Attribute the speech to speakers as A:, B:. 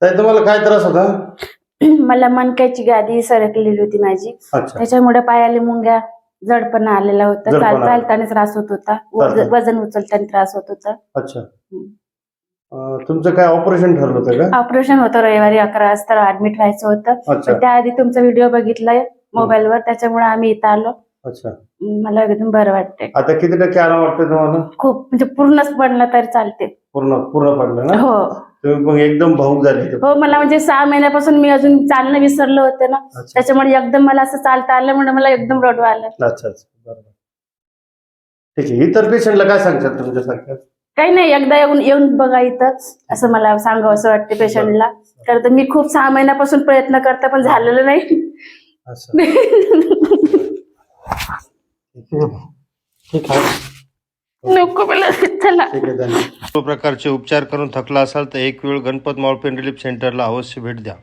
A: ताई तुम्हाला काय त्रास होता?
B: मला मणक्याची गादी सरकलेली होती माझी,
A: अच्छा.
B: त्याच्यामुळे पायाला मुंग्या जडपणा आलेला होता,
A: जडपणा.
B: चालताना त्रास होत होता, वजन उचलताना त्रास होत होता.
A: अच्छा. तुमचं काय ऑपरेशन ठरलं होतं का?
B: ऑपरेशन होतं रविवारी 11 वाजता ऍडमिट व्हायचं होतं.
A: अच्छा.
B: पण त्याआधी तुमचा व्हिडिओ बघितलाय मोबाईलवर, त्याच्यामुळे आम्ही इथं आलो.
A: अच्छा.
B: मला एकदम बरं वाटतंय.
A: आता किती टक्के आराम वाटतंय तुम्हाला?
B: खूप, म्हणजे पूर्णच पडलं तरी चालते.
A: पूर्ण पडलं ना?
B: हो
A: तुम्ही मग एकदम भाऊक झाले.
B: हो, मला म्हणजे 6 महिन्यापासून मी अजून चालणं विसरलं होतं ना, त्याच्यामुळे एकदम मला असं चालता आलं, म्हणून मला एकदम रडू आलं.
A: अच्छा अच्छा, बरोबर. ठीक आहे. इतर पेशंटला काय सांगतात तुमच्यासारख्या?
B: काही नाही, एकदा येऊन बघा इथं, असं मला सांगावं असं वाटतं पेशंटला. तर मी खूप 6 महिन्यापासून प्रयत्न करते, पण झालेलं नाही.
A: ठीक आहे.
B: नको मला, चला.
A: सर्व प्रकारचे उपचार करून थकला असाल तर एक वेळ गणपत मावळपेन रिलीफ सेंटरला अवश्य भेट द्या.